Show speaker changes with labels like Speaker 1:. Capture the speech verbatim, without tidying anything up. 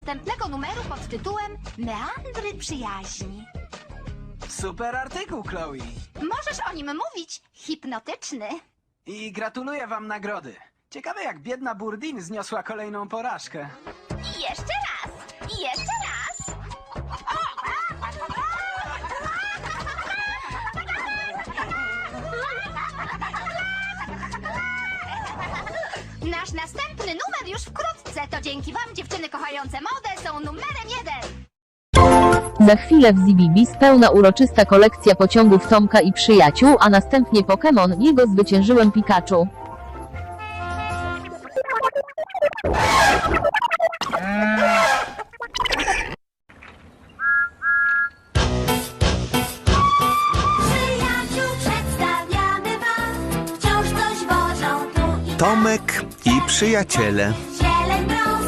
Speaker 1: następnego numeru pod tytułem Meandry przyjaźni.
Speaker 2: Super artykuł, Chloe.
Speaker 1: Możesz o nim mówić. Hipnotyczny.
Speaker 2: I gratuluję wam nagrody. Ciekawe, jak biedna Burdin zniosła kolejną porażkę.
Speaker 1: I jeszcze raz. I jeszcze raz. Nasz następny numer już wkrótce. To dzięki wam, dziewczyny kochające modę, są numerem jeden.
Speaker 3: Za chwilę w Zibibis pełna uroczysta kolekcja pociągów Tomka i przyjaciół, a następnie Pokémon, jego zwyciężyłem Pikachu.
Speaker 4: Przyjaciół przedstawiamy wam, wciąż coś wożą tu i tam.
Speaker 5: Tomek i przyjaciele.
Speaker 4: Zieleń brą,